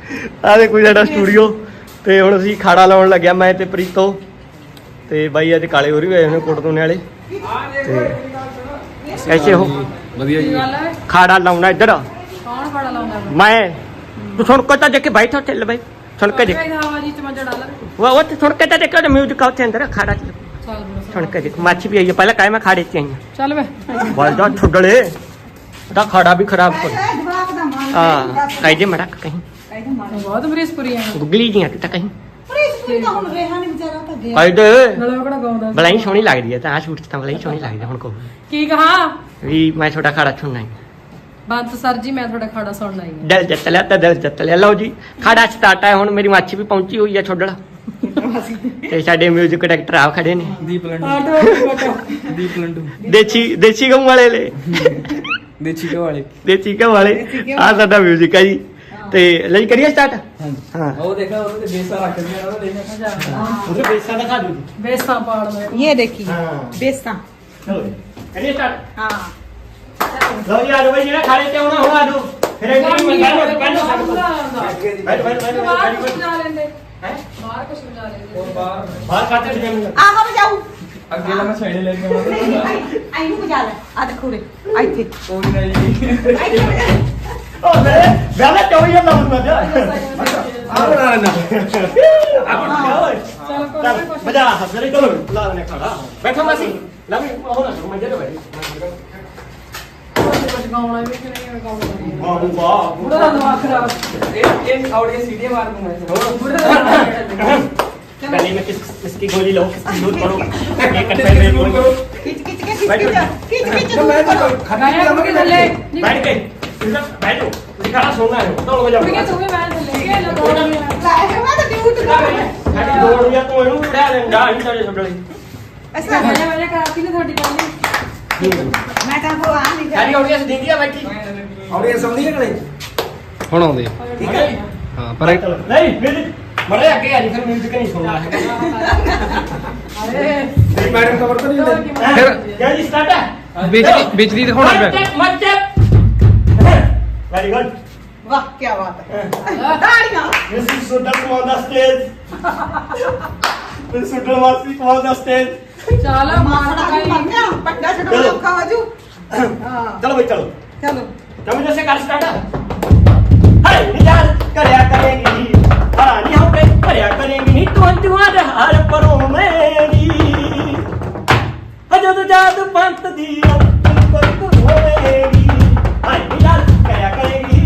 ਆ ਦੇਖੋ ਸਾਡਾ ਸਟੂਡੀਓ ਤੇ ਹੁਣ ਅਸੀਂ ਖਾੜਾ ਲਾਉਣ ਲੱਗਿਆ ਮੈਂ ਤੇ ਪ੍ਰੀਤੋ ਤੇ ਬਾਈ ਅੱਜ ਕਾਲੇ ਹੋ ਰਹੀ ਹੋਏ ਨੇ ਕੋਟ ਦੋਨੇ ਵਾਲੇ ਤੇ ਐਸੇ ਹੋ ਵਧੀਆ ਜੀ ਖਾੜਾ ਲਾਉਣਾ ਇੱਧਰ ਕੌਣ ਖਾੜਾ ਲਾਉਂਦਾ ਮੈਂ ਤੂੰ ਸੁਣ ਕੇ ਤਾਂ ਦੇਖ ਕੇ ਬੈਠਾ ਚੱਲ ਬਾਈ ਸੁਣ ਕੇ ਦੇਖ ਹਵਾ ਜੀ ਚ ਮਜਾ ਡਾਲ ਉਹ ਸੁਣ ਕੇ ਤਾਂ ਦੇਖੋ ਮਿਊਜ਼ਿਕ ਆਉਂਦੇ ਅੰਦਰ ਖਾੜਾ ਚ ਚੱਲ ਸੁਣ ਕੇ ਦੇਖ ਮੱਛ ਵੀ ਆਈ ਹੈ ਪਹਿਲਾਂ ਕਾਇ ਮੈਂ ਖਾੜੇ ਚ ਆਈ ਚੱਲ ਵੇ ਬਲਦਾ ਛੁੱਡਲੇ ਤਾਂ ਖਾੜਾ ਵੀ ਖਰਾਬ ਕਰ ਹਾਂ ਕਾਇਦੇ ਮੜਕ ਕਹੀਂ ਬਹੁਤ ਬਰੀਸਪੁਰੀ ਆ ਗੁਗਲੀ ਜੀਆਂ ਤਾਂ ਕਹੀਂ ਪ੍ਰੀਤ ਤਾਂ ਹੁਣ ਰਿਹਾ ਨਹੀਂ ਵਿਚਾਰਾ ਤਾਂ ਗਿਆ ਕਾਇਦੇ ਨਾਲੇ ਉਹ ਕਿਹੜਾ ਗਾਉਂਦਾ ਬਲਾਈ ਸੋਹਣੀ ਲੱਗਦੀ ਹੈ ਤਾਂ ਆ ਸ਼ੂਟ ਚ ਤਾਂ ਬਲਾਈ ਸੋਹਣੀ ਲੱਗਦੀ ਹੈ ਹੁਣ ਕਹੋ ਕੀ ਕਹਾ ਵੀ ਮੈਂ ਤੁਹਾਡਾ ਖਾੜਾ ਸੁਣਨਾ ਹੈ ਬੰਤ ਸਰ ਜੀ ਮੈਂ ਤੁਹਾਡਾ ਖਾੜਾ ਸੁਣਨਾ ਹੀ ਦਿਲ ਜਿੱਤ ਲਿਆ ਤਾਂ ਦਿਲ ਜਿੱਤ ਲਿਆ ਲਓ ਜੀ ਖਾੜਾ ਸਟਾਰਟ ਹੈ ਹੁਣ ਮੇਰੀ ਮੱਛੀ ਵੀ ਪਹੁੰਚੀ ਹੋਈ ਹੈ ਛੋਡਲ ਤੇ ਸਾਡੇ ਮਿਊਜ਼ਿਕ ਡਾਇਰੈਕਟਰ ਆ ਖੜੇ ਨੇ ਦੀਪ ਲੰਡੂ ਦੀਪ ਲੰਡੂ ਦੇਸੀ ਗਮ ਵਾਲੇ ਲੈ ਦੇਸੀ ਘਿਓ ਵਾਲੇ ਦੇਸੀ ਗਮ ਵਾਲੇ ਆ ਸਾਡਾ ਮਿਊਜ਼ਿਕ ਹੈ ਜੀ ਤੇ ਲਈ ਕਰੀਏ ਸਟਾਰਟ ਹਾਂ ਉਹ ਦੇਖਾ ਉਹਦੇ ਤੇ ਬੇਸਾ ਰੱਖ ਦਿਆ ਉਹਦਾ ਦੇਖਾ ਉਹਦੇ ਬੇਸਾਂ ਦਿਖਾ ਦੂ ਬੇਸਾਂ ਪਾੜ ਲੈ ਇਹ ਦੇਖੀ ਹਾਂ ਬੇਸਾਂ ਚਲੋ ਕਰੀਏ ਸਟਾਰਟ ਹਾਂ ਲਓ ਜੀ ਆ ਜਾਓ ਬਈ ਜਿਹੜਾ ਖਾੜੇ ਤੇ ਆਉਣਾ ਹੁਣ ਆ ਜਾਓ ਫਿਰ ਇੱਕ ਵਾਰੀ ਮੰਗਾ ਲਓ ਬੈਠ ਬਾਹਰ ਕੁਛ ਬਜਾ ਲੈਂਦੇ ਹੈ ਬਾਹਰ ਕੁਛ ਬਜਾ ਲੈਂਦੇ ਹੋਰ ਬਾਹਰ ਬਾਹਰ ਕੱਟ ਦੇ ਮੈਨੂੰ ਆਹ ਵਜਾਉ ਅੱਗੇ ਲਾ ਮੈਂ ਸਾਈਡ ਲੈ ਕੇ ਆਉਣਾ ਆਈ ਨੂੰ ਵਜਾ ਲੈ ਆ ਦੇਖੋ ਰੇ ਇੱਥੇ ਕੋਈ ਨਹੀਂ ਜੀ ਇੱਥੇ ਵਜਾ ਉਹ ਮੇਰੇ ਵਿਆਹ ਚੋਈ ਆ ਲਾਉਂਦਾ ਜਾ ਆ ਬਣਾ ਲੈਣਾ ਚਲ ਕੋਈ ਕੁਛ ਬਜਾ ਹੱਸਰੇ ਚਲੋ ਲਾ ਲੈਣੇ ਖਾੜਾ ਬੈਠੋ ਮਾਸੀ ਲਾ ਵੀ ਉਹ ਨਾ ਮੰਜੇ ਤੇ ਬੈਠੀ ਕੁਛ ਗਾਉਣਾ ਵੀ ਕਿ ਨਹੀਂ ਗਾਉਣਾ ਵਾਹ ਵਾਹ ਬੁੜਾ ਦਾ ਦਿਮਾਗ ਖਰਾਬ ਇਹ ਆਉਟ ਸੀਡੀ ਮਾਰ ਦੂੰਗਾ गली में किसकी गोली लो किसकी दूध करो ये कंटेनर में गोली ਖਿੱਚ ਖਿੱਚ ਕੇ ਖਿੱਚ ਗਾਇਆ ਕਿ ਥੱਲੇ बैठ गए इधर बैठो दिखाना सोना है दौड़ हो जाओ ਕੁੜੀਆਂ ਤੂੰ ਵੀ ਮੈਂ ਥੱਲੇ ਕੇ ਲਗਾ ਲਾਇਆ ਮੈਂ ਤਾਂ ਡਿਊਟ ਕਰ साडी दौड़ या तो ਇਹਨੂੰ ਉਡਾ ਲੈਂਦਾ ਨਹੀਂ ਸਾਡੇ ਛੱਡਲੇ ਅਸਾਂ ਵਜਾ ਕਰਾਤੀ ਨੇ ਤੁਹਾਡੀ ਗੱਲ ਮੈਂ ਤਾਂ ਕੋ ਆ ਨਹੀਂ ਸਾਡੀ ਆਡੀਅנס ਦਿੰਦੀ ਆ ਬੈਠੀ ਆਉੜੇ ਸਮਝੀ ਨਿਕਲੇ ਹੁਣ ਆਉਂਦੇ ਆ। ਠੀਕ ਹੈ ਹਾਂ ਪਰ ਨਹੀਂ ਮੇਰੇ ਮਰੇ ਅੱਗੇ ਆ ਜੀ ਫਿਰ ਮਿਊਜ਼ਿਕ ਨਹੀਂ ਸੁਣਨਾ ਹੈ ਅਰੇ ਤੇਰੀ ਮੈਡਮ ਖਬਰ ਤਾਂ ਨਹੀਂ ਹੁੰਦੀ ਫਿਰ ਕਿਆ ਜੀ ਸਟਾਰਟ ਹੈ ਵਿੱਚ ਦੀ ਦਿਖਾਉਣਾ ਪਿਆ ਮੱਚੇ ਵੈਰੀ ਗੁੱਡ ਵਾਹ ਕੀ ਬਾਤ ਹੈ ਤਾੜੀਆਂ This is Sudhar on the stage. This is Sudhar Masi on the stage. ਚੱਲ ਮਾਸੜਾ ਵੀ ਮਰ ਗਿਆ ਪੱਡਾ ਛੱਡੋ ਲੋਕਾਂ ਵਾਜੂ ਹਾਂ चलो भाई चलो ਚਲੋ तुम जैसे कर स्टार्ट हाय निजाल करया करेगी हां नहीं हम पे करया करेगी नहीं तू अंजुआर हर परों मेरी हजद जादू पंत दी कोई तू होएगी हाय निजाल करया करेगी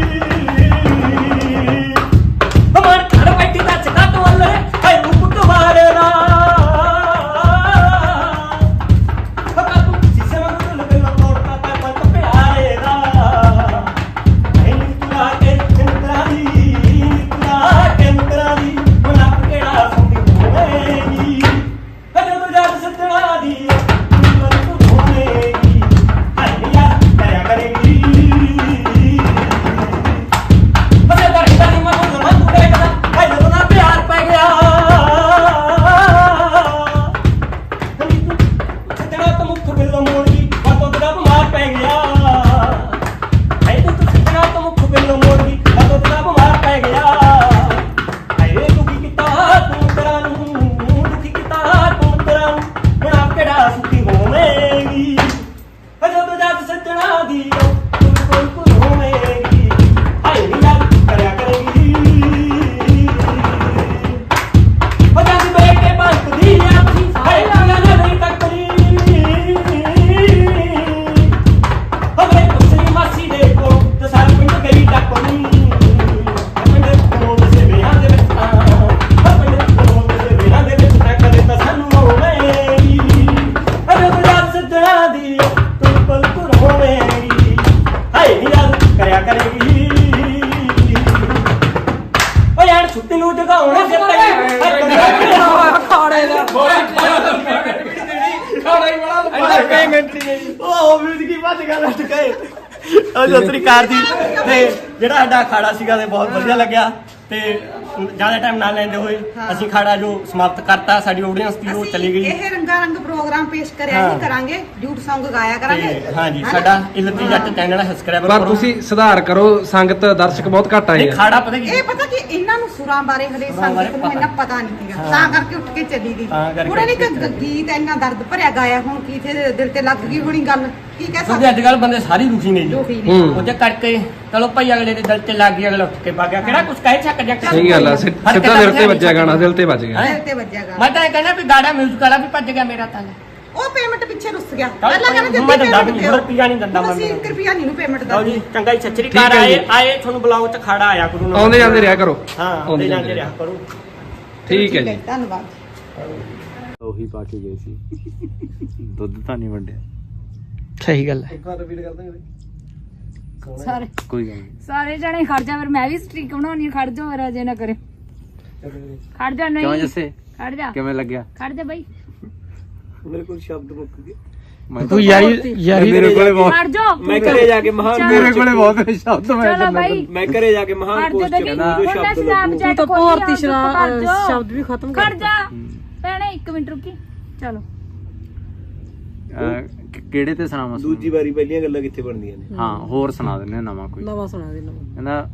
हमार घर बैठी दा चका तो वाले हाय रूप तुम्हारे ना पका तू शीशे में तो लगे ना तोड़ता था पंत प्यारे ना निकला के निकला दी मना केड़ा सुनी होएगी हजो तो जात सजना दी तू होएगी हाय यार करया करेगी बसे दरदा दी मन मन देखदा हाय तो ना प्यार पै गया सजना तो मुख बिल मोड़ी बातों तेरा बीमार पै गया हाय तो सजना तो मुख बिल मोड़ी बातों तेरा बीमार पै गया हाय दुखी किता तू तेरा नू दुखी किता तू तेरा नू हुण आप केड़ा सुखी होवेगी हजो तो जद सजना दी तू कोई होवेगी हाय यार करया करेगी वजह दी बेटे बंद दी आखी हाय दुनिया नहीं तकरी हमें कुछ मासी देखो तो सारा पिंड गई टकरी पिंड कोल से बिहार दे विच पिंड कोल से बिहार दे विच टक देता सानू होवेगी अरे तो याद सजना दी तू बिल्कुल होवेगी हाय यार करया करेगी ओ यार छुट्टी ਨੂੰ ਜਗਾਉਣਾ ਜਿੱਤੇ ਖਾੜੇ ਦਾ ਖਾਣਾ ਹੀ ਬੜਾ ਕਈ ਮਿੰਟ ਨਹੀਂ ਉਹ ਮਿਊਜ਼ਿਕ ਹੀ ਵੱਜ ਗਿਆ ਲੱਟ ਗਏ ਉਹ ਸਤਿ ਸ੍ਰੀ ਅਕਾਲ ਜੀ ਤੇ ਜਿਹੜਾ ਸਾਡਾ ਅਖਾੜਾ ਸੀਗਾ ਤੇ ਬਹੁਤ ਵਧੀਆ ਲੱਗਿਆ ਤੇ ਜ਼ਿਆਦਾ ਟਾਈਮ ਨਾ ਲੈਂਦੇ ਹੋਏ ਅਸੀਂ ਖਾੜਾ ਜੋ ਸਮਾਪਤ ਕਰਤਾ। ਸਾਡੀ ਆਡੀਅנס ਦੀ ਉਹ ਚਲੀ ਗਈ। ਇਹ ਰੰਗਾ ਰੰਗ ਪ੍ਰੋਗਰਾਮ ਪੇਸ਼ ਕਰਿਆ ਹੀ ਕਰਾਂਗੇ, ਡਿਊਟ Song ਗਾਇਆ ਕਰਾਂਗੇ। ਤੇ ਹਾਂਜੀ ਸਾਡਾ ਇਲਤੀ ਜੱਟ ਚੈਨਲ ਸਬਸਕ੍ਰਾਈਬਰ ਪਰ ਤੁਸੀਂ ਸੁਧਾਰ ਕਰੋ, ਸੰਗਤ ਦਰਸ਼ਕ ਬਹੁਤ ਘੱਟ ਆਏ ਇਹ ਆ। ਖਾੜਾ ਪਤਾ ਕੀ ਇਹ ਪਤਾ ਕਿ ਇਹਨਾਂ ਨੂੰ ਸੁਰਾਂ ਬਾਰੇ ਹਲੇ ਸੰਗਤ ਨੂੰ ਇੰਨਾ ਪਤਾ ਨਹੀਂ ਸੀਗਾ, ਤਾਂ ਕਰਕੇ ਉੱਠ ਕੇ ਚੱਲੀ ਗਈ। ਤਾਂ ਕਰਕੇ ਉਹਨੇ ਨਹੀਂ ਗੀਤ ਇੰਨਾ ਦਰਦ ਭਰਿਆ ਗਾਇਆ, ਹੁਣ ਕੀ ਤੇ ਦਿਲ ਤੇ ਲੱਗ ਗਈ ਹੋਣੀ ਗੱਲ, ਕੀ ਕਹਿ ਕਿਉਂਕਿ ਸਕਦੇ ਅੱਜ ਕੱਲ ਬੰਦੇ ਸਾਰੇ ਦੁਖੀ ਨੇ ਜੀ। ਦੁਖੀ ਹੂੰ। ਨੇ। ਉਹਦੇ ਕਰਕੇ ਚਲੋ ਭਾਈ ਅਗਲੇ ਦੇ ਦਿਲ ਤੇ ਲੱਗ ਗਈ, ਅਗਲਾ ਉੱਠ ਕੇ ਭੱਗ ਗਿਆ। ਕਿਹੜਾ ਕੁਝ ਕਹਿ ਚੱਕ ਜਾ ਸਹੀ ਗੱਲ ਆ, ਸਿੱਧਾ ਦਿਲ ਤੇ ਵੱਜਿਆ ਗਾਣਾ, ਦਿਲ ਤੇ ਵੱਜ ਗਿਆ। ਦਿਲ ਤੇ ਵੱਜਿਆ ਗਾ। ਮੈਂ ਤਾਂ ਇਹ ਕਹਿੰਦਾ ਵੀ ਗਾੜਾ ਮਿਊਜ਼ਿਕ ਵਾਲਾ ਵੀ ਭੱਜ ਗਿਆ ਮੇਰਾ ਤਾਂ। ਉਹ ਪੇਮੈਂਟ ਪਿੱਛੇ ਰੁੱਸ ਗਿਆ। ਚੱਲ ਪਹਿਲਾਂ ਕਹਿੰਦੇ ਮੈਂ ਦਿੰਦਾ ਵੀ ਨਹੀਂ, ਰੁਪਈਆ ਨਹੀਂ ਦਿੰਦਾ ਮੈਂ। ਅਸੀਂ 1 ਰੁਪਿਆ ਨਹੀਂ ਨੂੰ ਪੇਮੈਂਟ ਲਓ ਜੀ ਦਿੰਦੇ। ਚੰਗਾ ਹੀ ਸੱਚਰੀ ਠੀਕ ਕਾਰ ਹੈ ਆਏ ਜੀ। ਆਏ ਤੁਹਾਨੂੰ ਬੁਲਾਓ ਤੇ ਖਾੜਾ ਆਇਆ ਕਰੂ ਨਾ। ਆਉਂਦੇ ਜਾਂਦੇ ਰਿਹਾ ਕਰੋ। ਹਾਂ ਆਉਂਦੇ ਜਾਂਦੇ ਰਿਹਾ ਕਰੋ। ਠੀਕ ਹੈ ਜੀ। ਧੰਨਵਾਦ। ਉਹੀ ਪਾ ਕੇ ਗਏ ਸੀ, ਦੁੱਧ ਤਾਂ ਨਹੀਂ ਵੰਡਿਆ। ਸਹੀ ਗੱਲ ਹੈ। ਸਾਰੇ ਕੋਈ ਗੱਲ ਨਹੀਂ। ਸਾਰੇ ਜਣੇ ਖੜ ਜਾ, ਫਿਰ ਮੈਂ ਵੀ ਸਟ੍ਰੀਕ ਬਣਾਉਣੀ, ਖੜ ਜਾ ਮੇਰਾ ਜੇ ਨਾ ਕਰੇ। ਖੜ ਜਾ, ਕਿਉਂ ਨਹੀਂ ਜੱਸੇ ਖੜ ਜਾ, ਕਿਵੇਂ ਲੱਗਿਆ? ਖੜ ਜਾ ਬਾਈ, ਮੈਂ ਤੂੰ ਯਾਰੀ ਮੇਰੇ ਕੋਲੇ ਬਹੁਤ ਖੜ ਜਾ। ਮੈਂ ਘਰੇ ਜਾ ਕੇ ਮਹਾਨ ਮੇਰੇ ਕੋਲੇ ਬਹੁਤ ਸ਼ਬਦ ਮੈਂ ਚਲੋ ਬਾਈ, ਮੈਂ ਘਰੇ ਜਾ ਕੇ ਮਹਾਨ ਖੜ ਜਾ ਪੋਸਟ ਦੇਖੀ, ਕਰਨਾ ਹੁਣ ਮੈਂ ਸਨੈਪਚੈਟ ਤਾਂ ਖੋਲੀ ਭਾਰਤੀ ਆ, ਸ਼ਬਦ ਵੀ ਖਤਮ ਖੜ ਜਾ ਭੈਣੇ, 1 ਮਿੰਟ ਰੁਕੀ। ਚਲੋ ਕਿਹੜੇ ਤੇ ਸੁਣਾਵਾਂ? ਦੂਜੀ ਵਾਰੀ ਪਹਿਲੀਆਂ ਗੱਲਾਂ ਕਿੱਥੇ ਬਣਦੀਆਂ ਨੇ। ਹਾਂ ਹੋਰ ਸੁਣਾ ਦਿੰਦੇ ਆ ਨਵਾਂ ਕੋਈ। ਨਵਾਂ ਸੁਣਾ ਦੇ, ਨਵਾਂ। ਕਹਿੰਦਾ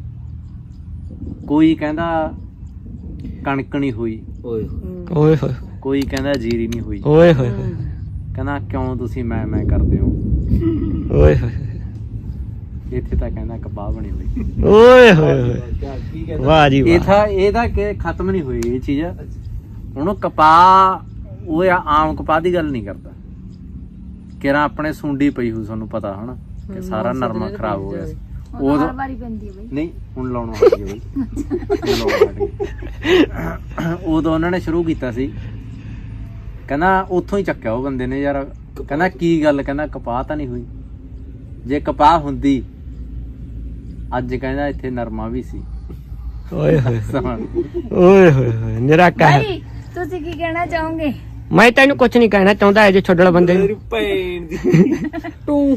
ਕੋਈ ਕਹਿੰਦਾ ਕਣਕ ਨਹੀਂ ਹੋਈ, ਓਏ ਓਏ ਹੋਏ ਕੋਈ ਕਹਿੰਦਾ ਜੀਰੀ ਨਹੀਂ ਹੋਈ। ਓਏ ਹੋਏ ਕਹਿੰਦਾ ਕਿਉਂ ਤੁਸੀਂ ਮੈਂ ਕਰਦੇ ਹੋ? ਓਏ ਹੋਏ ਇੱਥੇ ਤਾਂ ਕਹਿੰਦਾ ਕਪਾਹ ਬਣੀ ਹੋਈ। ਓਏ ਹੋਏ ਕੀ ਕਹਿੰਦਾ? ਵਾਹ ਜੀ ਇਹ ਤਾਂ ਕਿ ਖਤਮ ਨਹੀਂ ਹੋਈ ਇਹ ਚੀਜ਼। ਹੁਣ ਉਹ ਕਪਾਹ ਉਹ ਆਮ ਕਪਾਹ ਦੀ ਗੱਲ ਨਹੀਂ ਕਰਦਾ। ਕਿਹੜਾ ਆਪਣੇ ਸੁੰਡੀ ਪਈ ਹੋਈ, ਤੁਹਾਨੂੰ ਪਤਾ ਹਨਾ ਕਿ ਸਾਰਾ ਨਰਮਾ ਖਰਾਬ ਹੋ ਗਿਆ ਸੀ। ਉਹ ਉਦੋਂ ਹਰ ਵਾਰੀ ਪੈਂਦੀ ਹੈ ਬਾਈ। ਨਹੀਂ ਹੁਣ ਲਾਉਣਾ ਹਟ ਗਿਆ ਬਈ, ਹੁਣ ਲਾਉਣਾ ਹਟ ਗਿਆ। ਉਦੋਂ ਉਹਨਾਂ ਨੇ ਸ਼ੁਰੂ ਕੀਤਾ ਸੀ, ਕਹਿੰਦਾ ਉੱਥੋਂ ਹੀ ਚੱਕਿਆ ਉਹ ਬੰਦੇ ਨੇ ਯਾਰ। ਕਹਿੰਦਾ ਕੀ ਗੱਲ, ਕਹਿੰਦਾ ਕਪਾਹ ਤਾਂ ਨਹੀਂ ਹੋਈ। ਜੇ ਕਪਾਹ ਹੁੰਦੀ ਅੱਜ ਕਹਿੰਦਾ ਇੱਥੇ ਨਰਮਾ ਵੀ ਸੀ। ਓਏ ਹੋਏ ਓਏ ਹੋਏ ਨਿਰਾ ਕਹਿ। ਬਾਈ ਤੁਸੀਂ ਕੀ ਕਹਿਣਾ ਚਾਹੋਗੇ? ਮੈਂ ਤੈਨੂੰ ਕੁਝ ਨਹੀਂ ਕਹਿਣਾ ਚਾਹੁੰਦਾ, ਇਹ ਜੇ ਛੱਡਣ ਬੰਦੇ ਨੂੰ। ਤੇਰੀ ਭੈਣ ਦੀ ਤੂੰ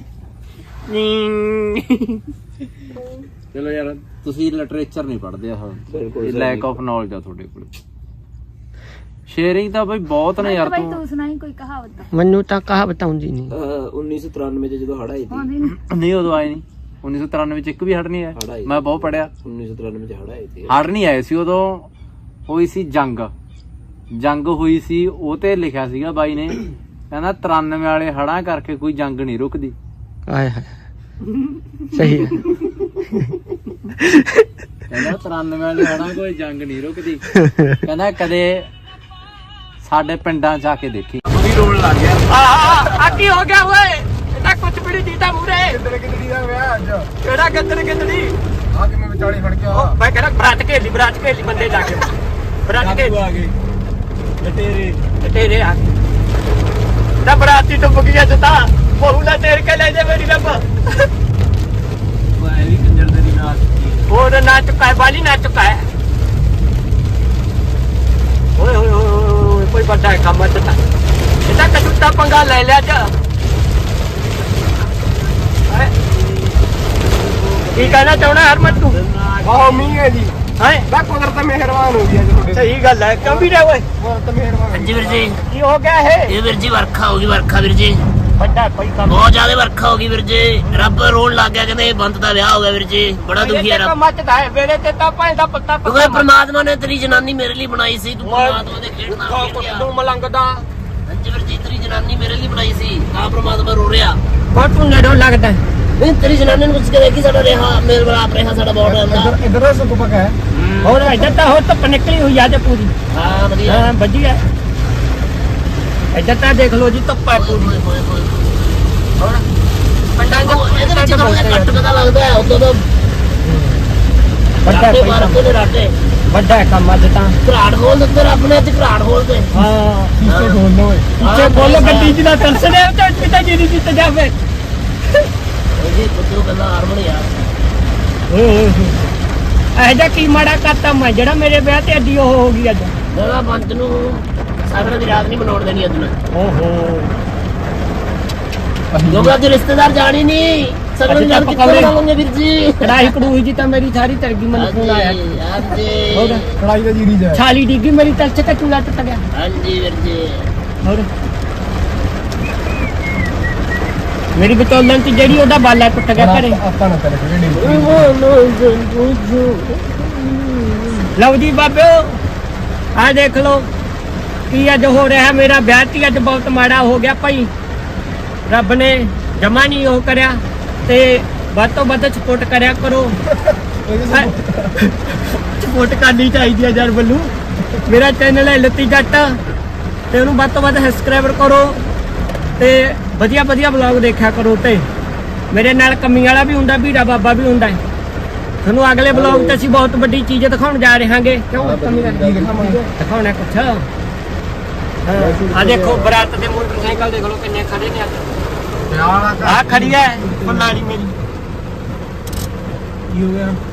ਚਲੋ ਯਾਰ ਤੁਸੀਂ ਲਿਟਰੇਚਰ ਨਹੀਂ ਪੜ੍ਹਦੇ ਆ। ਬਿਲਕੁਲ ਇਹ ਲੈਕ ਆਫ ਨੌਲੇਜ ਆ ਤੁਹਾਡੇ ਕੋਲ। ਸ਼ੇਅਰਿੰਗ ਤਾਂ ਬਈ ਬਹੁਤ ਨੇ ਯਾਰ। ਬਾਈ ਤੂੰ ਤੂੰ ਸੁਣਾਈ ਕੋਈ ਕਹਾਵਤ। ਮੈਨੂੰ ਤਾਂ ਕਹਾਵਤ ਆਉਂਦੀ ਨਹੀਂ। 1993 ਚ ਜਦੋਂ ਹੜਾ ਆਈ ਸੀ, ਆਉਂਦੀ ਨੀ। ਨਹੀਂ ਉਦੋਂ ਆਏ ਨਹੀਂ। 1993 ਚ ਇੱਕ ਵੀ ਹੜ ਨਹੀਂ ਹੜ੍ਹ ਆਇਆ। ਆਈ। ਮੈਂ ਬਹੁਤ ਪੜਿਆ। 1993 ਚ ਹੜਾ ਆਈ ਸੀ। ਹੜ ਨਹੀਂ ਆਏ ਸੀ ਉਦੋਂ। ਹੋਈ ਸੀ ਜੰਗ ਹੋਈ ਸੀ। ਉਹ ਤੇ ਲਿਖਿਆ ਸੀਗਾ ਬਾਈ ਨੇ, ਕਹਿੰਦਾ 93 ਵਾਲੇ ਹੜਾਂ ਕਰਕੇ ਕੋਈ ਜੰਗ ਨਹੀਂ ਰੁਕਦੀ। ਆਏ ਹਾਏ ਸਹੀ ਹੈ। ਕਹਿੰਦਾ 93 ਵਾਲੇ ਹੜਾਂ ਕੋਈ ਜੰਗ ਨਹੀਂ ਰੁਕਦੀ। ਕਹਿੰਦਾ ਕਦੇ ਸਾਡੇ ਪਿੰਡਾਂ ਚ ਆ ਕੇ ਦੇਖੀ। ਆ ਕੀ ਹੋ ਗਿਆ ਓਏ? ਇਹਦਾ ਕੁਝ ਵੀ ਨਹੀਂ ਦੀਦਾ ਮੂਰੇ। ਕਿੱਦੜੀ ਦਾ ਵਿਆਹ ਅੱਜ ਕਿਹੜਾ ਕਿੱਦੜੀ? ਆ ਕੇ ਮੈਂ ਵਿਚਾਲੇ ਫੜ ਕੇ ਉਹ ਮੈਂ ਕਹਿੰਦਾ ਬਰਾਤ ਘੇਲੀ ਬੰਦੇ ਜਾ ਕੇ। ਬਰਾਤ ਘੇਲੀ ਆ ਗਏ ਤੇਰੇ ਆ ਨਾ ਬਰਾਤੀ ਡੁੱਬ ਗਿਆ ਜਤਾ ਬਹੂ ਨਾ ਤੇਰ ਕੇ ਲੈ ਜਾ ਮੇਰੀ ਰੱਬ। ਵੀ ਕੰਜਰ ਦੇ ਨਾਲ ਹੋਰ ਨਾ ਚੁੱਕਾ ਹੈ ਬਾਲੀ ਨਾ ਚੁੱਕਾ ਹੈ। ਓਏ ਹੋਏ ਹੋਏ ਕੋਈ ਵੱਡਾ ਕੰਮ ਜਤਾ ਇਹਦਾ ਕਜੂਤਾ ਪੰਗਾ ਲੈ ਲਿਆ ਜਾ। ਕੀ ਕਹਿਣਾ ਚਾਹੁੰਦਾ ਹਰਮਤ ਤੂੰ? ਬਹੁਤ ਮੀਂਹ ਹੈ ਜੀ। ਹੈ ਮੈਂ ਕੁਦਰਤ ਮਿਹਰਬਾਨ ਹੋ ਗਈ ਅੱਜ ਤੁਹਾਡੇ ਸਹੀ ਗੱਲ ਹੈ ਕਿਉਂ ਵੀ ਰੇ ਓਏ? ਕੁਦਰਤ ਮਿਹਰਬਾਨ। ਜੀ ਵੀਰ ਜੀ, ਕੀ ਹੋ ਗਿਆ ਇਹ ਵੀਰ ਜੀ ਵਰਖਾ ਹੋ ਗਈ, ਵਰਖਾ ਵੀਰ ਜੀ, ਵੱਡਾ ਕੋਈ ਕੰਮ ਬਹੁਤ ਜ਼ਿਆਦਾ ਵਰਖਾ ਹੋ ਗਈ ਵੀਰ ਜੀ। ਰੱਬ ਰੋਣ ਲੱਗ ਗਿਆ, ਕਹਿੰਦੇ ਬੰਤ ਦਾ ਵਿਆਹ ਹੋ ਗਿਆ ਵੀਰ ਜੀ। ਬੜਾ ਦੁਖੀ ਹੈ ਰੱਬ, ਮੱਚਦਾ ਹੈ ਵੇਲੇ ਤੇ ਤਾਂ ਭਾਂ ਦਾ ਪੱਤਾ ਕਿਉਂਕਿ ਪ੍ਰਮਾਤਮਾ ਨੇ ਤੇਰੀ ਜਨਾਨੀ ਮੇਰੇ ਲਈ ਬਣਾਈ ਸੀ। ਤੂੰ ਪ੍ਰਮਾਤਮਾ ਦੇ ਖੇਡ ਨਾਲ ਖੇਡ ਗਿਆ। ਤੂੰ ਮਲੰਗਦਾ ਹਾਂਜੀ ਵੀਰ ਜੀ, ਤੇਰੀ ਜਨਾਨੀ ਮੇਰੇ ਲਈ ਬਣਾਈ ਸੀ, ਤਾਂ ਪ੍ਰਮਾਤਮਾ ਰੋ ਰਿਹਾ। ਬਹੁਤ ਤੂੰ ਨੇੜੋਂ ਲੱਗਦਾ ਨਹੀਂ ਤੇਰੀ ਜਨਾਨੀ ਨੂੰ ਪੁੱਛ ਕੇ ਦੇਖੀ, ਸਾਡਾ ਰਿਹਾ ਮੇਰੇ ਬਰਾਬਰ ਰਿਹਾ ਸਾਡਾ ਬਹੁਤ ਰਹਿੰਦਾ। ਇਧਰੋਂ ਸੁੱਕ ਪਕਾ ਹੈ। ਹੋਰ ਇੱਧਰ ਤਾਂ ਹੋਰ ਧੁੱਪ ਨਿਕਲੀ ਹੋਈ ਆ ਤੇ ਪੂਰੀ। ਹਾਂ ਵਧੀਆ। ਹਾਂ ਵਧੀਆ ਇੱਧਰ ਤਾਂ ਦੇਖ ਲਓ ਜੀ ਧੁੱਪ ਹੈ ਪੂਰੀ। ਹੋਰ ਪੰਡਾਂ ਇਹਦੇ ਵਿੱਚ ਥੋੜਾ ਜਿਹਾ ਘੱਟ ਪਤਾ ਲੱਗਦਾ ਹੈ, ਉਦੋਂ ਤਾਂ ਰਾਟੇ ਮਾਰ ਕੇ ਨੇ ਰਾਟੇ। ਵੱਡਾ ਹੈ ਕੰਮ ਅੱਜ ਤਾਂ। ਘਰਾੜ ਖੋਲ ਦਿੱਤੇ ਰੱਬ ਨੇ, ਤੇ ਘਰਾੜ ਖੋਲ ਤੇ ਹਾਂ ਪਿੱਛੇ ਬੋਲੋ ਓਏ। ਪਿੱਛੇ ਬੋਲੋ ਗੱਡੀ ਜਿਹਦਾ ਦਰਸ਼ਨ ਹੈ ਤੇ ਪਿੱਛੇ ਜਿਹਦੀ ਜਿੱਤ ਜਾਵੇ। ਜੀ ਪੁੱਤੂ ਕਹਿੰਦਾ ਹਾਰਮੋਨ ਯਾਰ ਓਏ ਹੋਏ ਇਹ ਜਿਹਾ ਕੀ ਮਾੜਾ ਕਰਤਾ ਮੈਂ ਜਿਹੜਾ ਮੇਰੇ ਵਿਆਹ ਤੇ ਅੱਡੀ ਉਹ ਹੋ ਗਈ ਅੱਜ। ਮੇਰਾ ਬੰਤ ਨੂੰ ਸਾਗਰ ਦੀ ਰਾਤ ਨਹੀਂ ਮਨਾਉਣ ਦੇਣੀ ਅੱਜ ਮੈਂ। ਓਹੋ ਕਿਉਂਕਿ ਅੱਜ ਰਿਸ਼ਤੇਦਾਰ ਜਾਣੀ ਨਹੀਂ। ਸਗਨ ਨਾਲ ਕਿੱਥੇ ਬਣਾ ਲਵਾਂਗੇ ਵੀਰ ਜੀ ਕੜਾਈ ਕੜੂਈ ਜੀ ਤਾਂ ਮੇਰੀ ਸਾਰੀ ਤਰ ਗਈ ਮੈਨੂੰ ਫੋਨ ਆਇਆ ਹਾਂਜੀ ਹੋਰ ਕੜਾਈ ਦਾ ਜੀਰੀ ਜਾ ਛਾਲੀ ਡਿੱਗੀ ਮੇਰੀ ਤਲ ਚ ਚੂਲਾ ਟੁੱਟ ਗਿਆ ਹਾਂਜੀ ਵੀਰ ਜੀ ਹੋਰ ਮੇਰੀ ਬਤੌਲਨ ਤੇ ਜਿਹੜੀ ਉਹਦਾ ਬਾਲਾ ਟੁੱਟ ਗਿਆ ਘਰੇ ਆਪਾਂ ਨਾ ਕਰੇ ਜਿਹੜੀ ਲਓ ਜੀ ਬਾਬਿਓ ਆ ਦੇਖ ਲਓ ਕੀ ਅੱਜ ਹੋ ਰਿਹਾ ਮੇਰਾ ਵਿਆਹ ਤੀ ਅੱਜ ਬਹੁਤ ਮਾੜਾ ਹੋ ਗਿਆ ਭਾਈ ਰੱਬ ਨੇ ਜਮਾ ਨਹੀਂ ਉਹ ਕਰਿਆ ਤੇ ਵੱਧ ਤੋਂ ਵੱਧ ਸਪੋਰਟ ਕਰਿਆ ਕਰੋ ਸਪੋਰਟ ਕਰਨੀ ਚਾਹੀਦੀ ਹੈ ਯਾਰ ਬੱਲੂ ਮੇਰਾ ਚੈਨਲ ਹੈ ਲੱਤੀ ਜੱਟ ਤੇ ਉਹਨੂੰ ਵੱਧ ਤੋਂ ਵੱਧ ਸਬਸਕ੍ਰਾਈਬਰ ਕਰੋ ਤੇ ਵਧੀਆ ਵਧੀਆ ਵਲੌਗ ਦੇਖਿਆ ਕਰੋ ਤੇ ਮੇਰੇ ਨਾਲ ਕੰਮੀ ਵਾਲਾ ਵੀ ਹੁੰਦਾ ਵੀਰਾ ਬਾਬਾ ਵੀ ਹੁੰਦਾ ਤੁਹਾਨੂੰ ਅਗਲੇ ਵਲੌਗ ਤੇ ਅਸੀਂ ਬਹੁਤ ਵੱਡੀ ਚੀਜ਼ ਦਿਖਾਉਣ ਜਾ ਰਹੇ ਹਾਂਗੇ ਕਿਉਂ ਕੰਮੀ ਦਿਖਾਉਣਾ ਕੁਛ ਆ ਦੇਖੋ ਬਰਾਤ ਦੇ ਮੋਟਰਸਾਈਕਲ ਦੇਖ ਲਓ ਕਿੰਨੇ ਖੜੇ ਨੇ ਆ ਖੜੀ ਹੈ ਫੁੱਲਾਣੀ ਮੇਰੀ ਕੀ ਹੋ ਗਿਆ